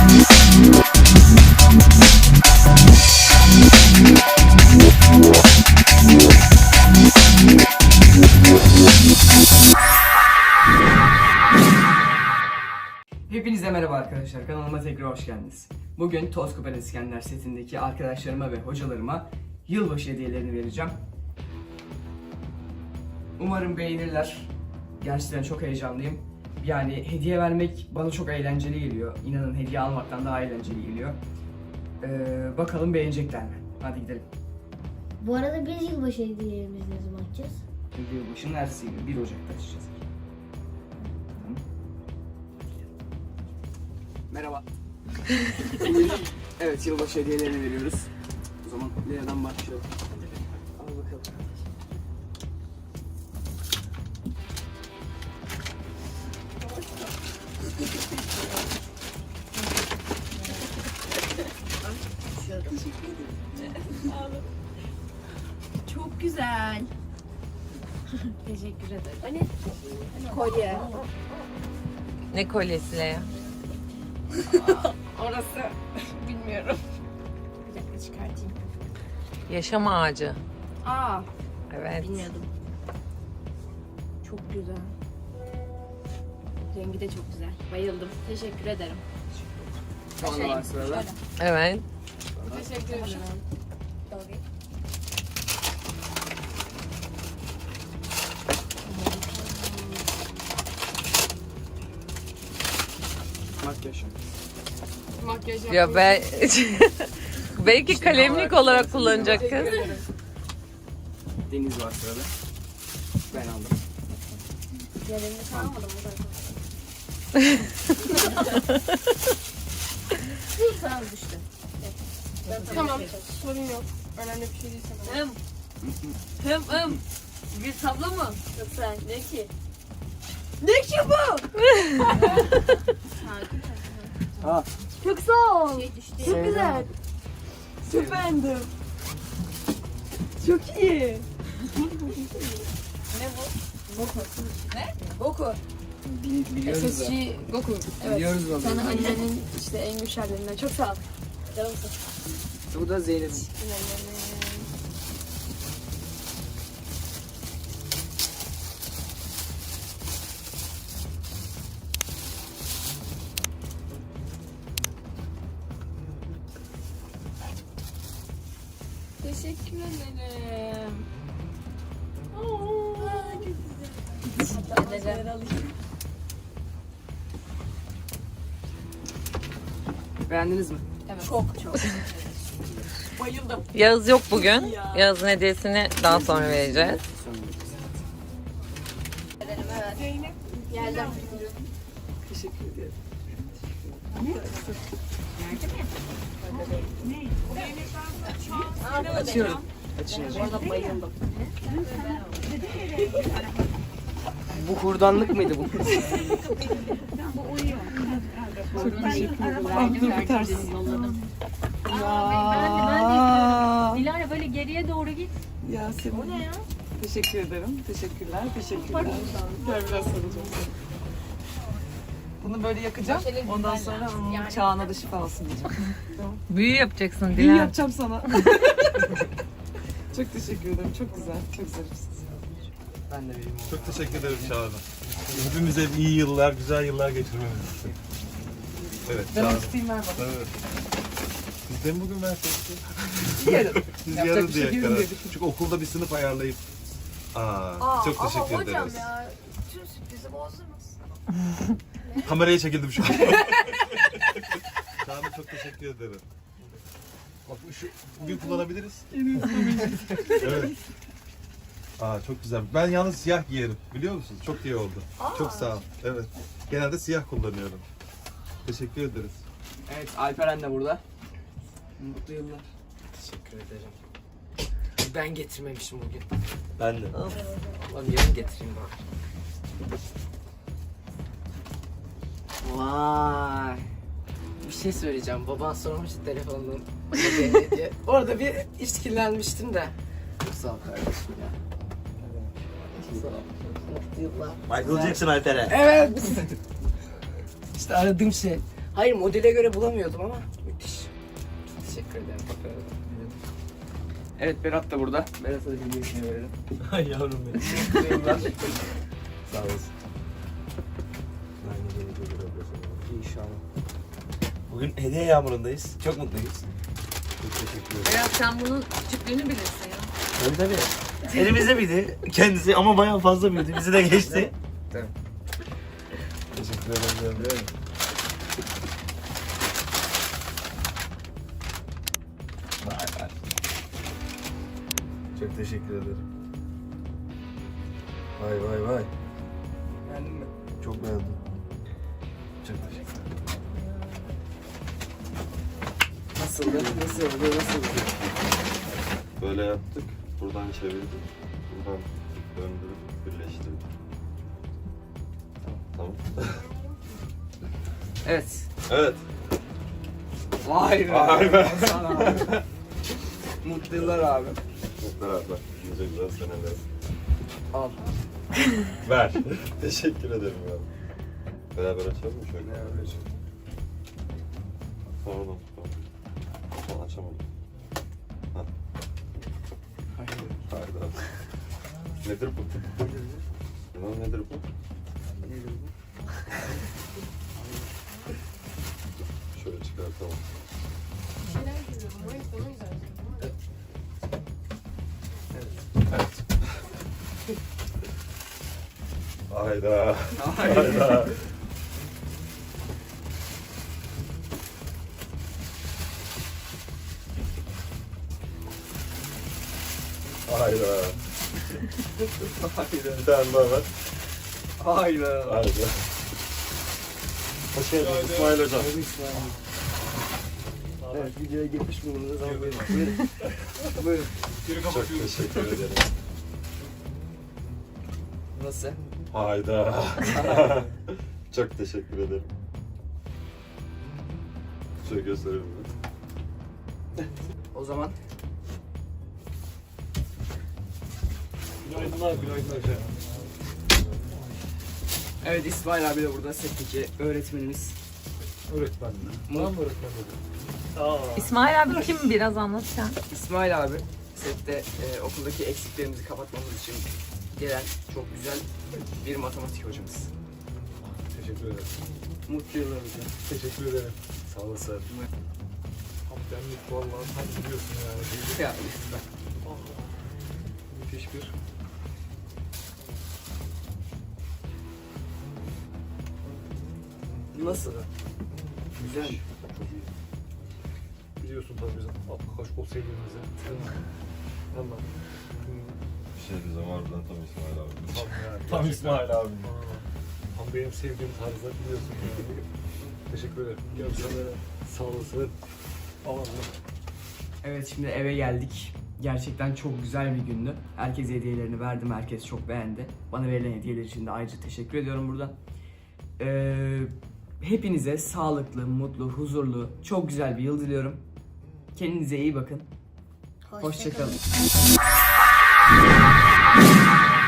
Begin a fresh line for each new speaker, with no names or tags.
Hepinize merhaba arkadaşlar, kanalıma tekrar hoş geldiniz. Bugün Toz Kupa İskender setindeki arkadaşlarıma ve hocalarıma yılbaşı hediyelerini vereceğim. Umarım beğenirler. Gerçekten çok heyecanlıyım. Yani hediye vermek bana çok eğlenceli geliyor. İnanın hediye almaktan daha eğlenceli geliyor. Bakalım beğenecekler mi? Hadi gidelim.
Bu arada biz yılbaşı hediyelerimizi ne zaman açacağız?
Yılbaşının ertesi günü 1 Ocak'ta açacağız. Tamam. Merhaba. Evet, yılbaşı hediyelerini veriyoruz. O zaman Lea'dan başlayalım. Al bakalım.
Çok güzel. Teşekkür ederim. Hani kolye.
Ne kolyesi Lea?
Orası bilmiyorum. Bir dakika çıkartayım.
Yaşam ağacı.
Aa,
Evet.
bilmiyordum. Çok güzel. Rengi de çok güzel. Bayıldım. Teşekkür ederim.
Şu anda var sırada.
Evet.
Teşekkür ederim.
Makyaj.
Makyaj
Ya ben belki kalemlik olarak kullanacak kız.
Deniz var sırada. Ben aldım.
Yerimi kalmadım o da. Tamam düştü.
Tamam, sorun yok. Önemli bir şey değil sanırım.
Bir tablo mu?
Yoksa ne ki?
Ne ki bu?
Aa,
Çok sağ ol.
Şey düştü.
Çok
güzel. Çok beğendim. Çok iyi.
Goku.
Biliyoruz da.
SSG Goku. Evet.
Biliyoruz da.
Sana annenin işte en güçlü hallerinden. Çok sağ ol. Canımsın.
Bu da Zeynep.
Teşekkür ederim.
Beğendiniz mi?
Çok. Bayıldım.
Yağız yok bugün. Yağız'ın hediyesini daha sonra vereceğiz.
Geldim.
Teşekkür ederim. Açıyorum. Açıyorum.
Bayıldım.
Bu hurdanlık mıydı bu?
Dilara böyle geriye doğru git.
Yasemin. O ne ya? Teşekkür ederim. Teşekkürler. Teşekkürler. Gel biraz sarılacağım. Bunu böyle yakacağım. Ondan sonra Çağan'a da şifa olsun diyeceğim.
Büyü yapacaksın
İyi
Dilan.
yapacağım sana. Çok teşekkür ederim. Çok güzel. Çok zarifsiniz.
Ben de vereyim.
Çok teşekkür ederim Çağla. Hepimize iyi yıllar, güzel yıllar geçirmemiz için. Evet,
Ben
Çağla.
onu tutayım ver bana.
Evet. Siz de mi bugün verseniz?
Yarın.
Siz
Yapacak
yarın
bir şey
diye
değil
karar.
dedik.
Çünkü okulda bir sınıf ayarlayıp. Çok teşekkür
ama
ederiz.
hocam ya, tüm sürprizi bozdunuz.
Kameraya çekildim şu an. Çağla çok teşekkür ederim. Bak şu bugün kullanabiliriz. Evet. Çok güzel. Ben yalnız siyah giyerim. Biliyor musunuz? Çok iyi oldu. Çok sağ ol. Evet. Genelde siyah kullanıyorum. Teşekkür ederiz.
Evet, Alperen de burada. Mutlu yıllar.
Teşekkür ederim. Ben getirmemişim bugün.
Ben de.
Lan yarın getireyim bari. Vay. Bir şey söyleyeceğim. Baban sormuştu telefonun ne diye. Orada bir işkillenmiştim de. Çok sağ ol kardeşim ya. Çok sağ ol. Mutlu yıllar.
Michael Jackson Alper'e.
Evet. İşte aradığım şey. Hayır, modele göre bulamıyordum ama müthiş. Çok teşekkür ederim.
Evet, Berat da burada. Berat'a da hediyesini verelim.
Ay yavrum benim. Sağ olasın.
İnşallah.
Bugün hediye yağmurundayız. Çok mutluyuz. Çok teşekkür ederim.
Berat sen bunun küçüklüğünü bilirsin ya.
Tabii tabii. Elimizde miydi kendisi ama bayağı fazla büyüdü. Bizi de geçti.
Tabii.
Teşekkür ederim. Vay vay. Çok teşekkür ederim. Vay vay vay.
Beğendin mi?
Çok beğendim. Çok teşekkür ederim.
Nasıldı? Nasıldı?
Böyle yaptık. Buradan çevirdik. Buradan döndürüp birleştirdik. Tamam.
Evet.
Evet.
Vay be.
Vay be.
Hasan abi. Mutlu yıllar abi.
Beraber. Güzel güzel seneler.
Al.
Ver. Teşekkür ederim ya. Beraber açalım mı şöyle?
Beraber açalım.
Pardon. Son açamadım. Ha. Hayda. Nedir bu? Lan nedir bu? Şöyle çıkartalım.
Şeyler görüyorum. O yüzden o yüzden.
Hayda.
Hayda.
Hayda. Hayda. Bir tane daha ver.
Hayda.
Hayda. Hoş geldiniz İsmail Hocam.
Evet, videoya geçmiş bulundunuz ama buyurun. Buyurun.
Çok teşekkür ederim.
Nasıl?
Hayda. Çok teşekkür ederim. Şöyle gösterelim mi?
O zaman
Günaydınlar hocam.
evet, İsmail abi de burada setteki öğretmenimiz.
Öğretmen mi? Tamam öğretmen dedim.
İsmail abi kim biraz anlat sen.
İsmail abi sette okuldaki eksiklerimizi kapatmamız için gelen çok güzel bir matematik hocamız.
Teşekkür ederim.
Mutlu yıllar hocam.
Teşekkür ederim. Sağ olasın. Hamdenlik vallahi tam biliyorsun yani.
Ya lütfen.
Müthiş bir.
Nasıl? Güzel.
Çok iyi. Biliyorsun tabii bizim Kaşkol sevdiğimizi. Valla.
Bir şey diyeceğim harbiden tam İsmail abi.
Tam yani.
Tam İsmail abi.
Tam benim sevdiğim tarzda biliyorsun yani. Teşekkür ederim. Görüşürüz. Sağ olasın. Allah.
Evet, şimdi eve geldik. Gerçekten çok güzel bir gündü. Herkese hediyelerini verdim. Herkes çok beğendi. Bana verilen hediyeler için de ayrıca teşekkür ediyorum buradan. Hepinize sağlıklı, mutlu, huzurlu, çok güzel bir yıl diliyorum. Kendinize iyi bakın. Hoşça kalın.